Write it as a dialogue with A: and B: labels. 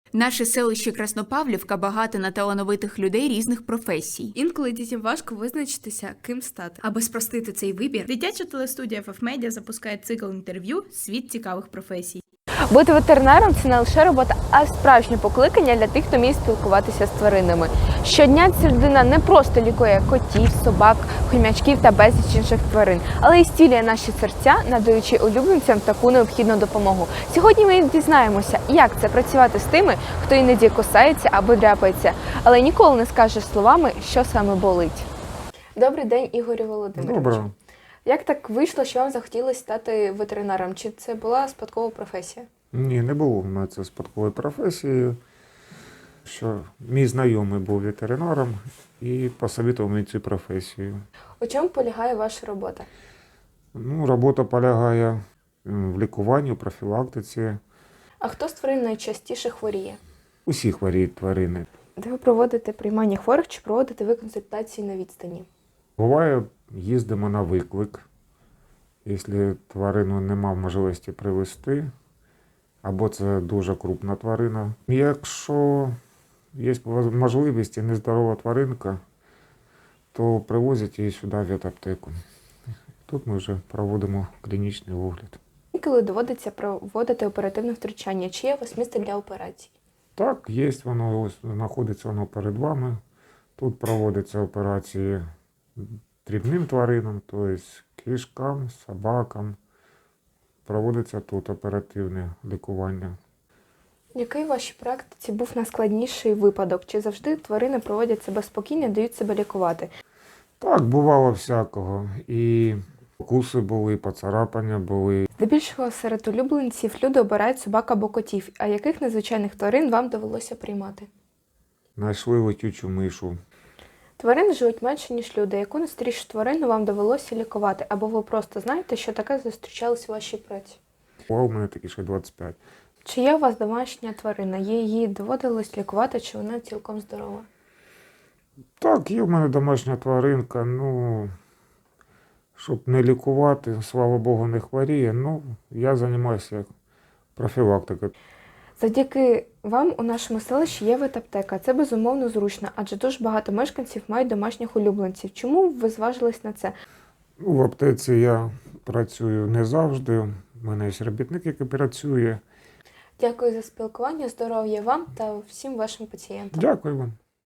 A: Наше селище Краснопавлівка багато на талановитих людей різних професій.
B: Інколи дітям важко визначитися, ким стати.
C: Аби спростити цей вибір, дитяча телестудія FFmedia запускає цикл інтерв'ю «Світ цікавих професій».
B: Бути ветеринаром – це не лише робота, а справжнє покликання для тих, хто вміє спілкуватися з тваринами. Щодня ця людина не просто лікує котів, собак, хомячків та безліч інших тварин, але й зцілює наші серця, надаючи улюбленцям таку необхідну допомогу. Сьогодні ми дізнаємося, як це працювати з тими, хто іноді кусається або дряпається, але ніколи не скаже словами, що саме болить. Добрий день, Ігорю Володимировичу.
D: Доброго.
B: Як так вийшло, що вам захотілося стати ветеринаром? Чи це була спадкова професія?
D: Ні, не було в мене це спадкової професії, що мій знайомий був ветеринаром і посовітував мені цю професію.
B: У чому полягає ваша робота?
D: Робота полягає в лікуванні, в профілактиці.
B: А хто з тварин найчастіше хворіє?
D: Усі хворіють тварини.
B: Де ви проводите приймання хворих чи проводите ви консультації на відстані?
D: Буває, їздимо на виклик, якщо тварину нема можливості привезти, або це дуже крупна тварина. Якщо є можливість і нездорова тваринка, то привозять її сюди в ветаптеку. Тут ми вже проводимо клінічний огляд.
B: Коли доводиться проводити оперативне втручання, чи є у вас місце для операцій?
D: Так, є воно, ось знаходиться воно перед вами. Тут проводяться операції дрібним тваринам, тобто кішкам, собакам. Проводиться тут оперативне лікування.
B: Який у вашій практиці був найскладніший випадок? Чи завжди тварини проводять себе спокійно, дають себе лікувати?
D: Так, бувало всякого. І укуси були, і поцарапання були.
B: Здебільшого серед улюбленців люди обирають собак або котів. А яких незвичайних тварин вам довелося приймати?
D: Знайшли летючу мишу.
B: Тварини живуть менше, ніж люди. Яку найстрішу тварину вам довелося лікувати? Або ви просто знаєте, що таке зустрічалось у вашій праці?
D: А у мене такі ще 25.
B: Чи є у вас домашня тварина? Її доводилось лікувати, чи вона цілком здорова?
D: Так, є в мене домашня тваринка, щоб не лікувати, слава Богу, не хворіє, я займаюся профілактикою.
B: Завдяки вам у нашому селищі є ветаптека. Це безумовно зручно, адже дуже багато мешканців мають домашніх улюбленців. Чому ви зважились на це?
D: В аптеці я працюю не завжди, у мене є робітник, який працює.
B: Дякую за спілкування, здоров'я вам та всім вашим пацієнтам.
D: Дякую вам.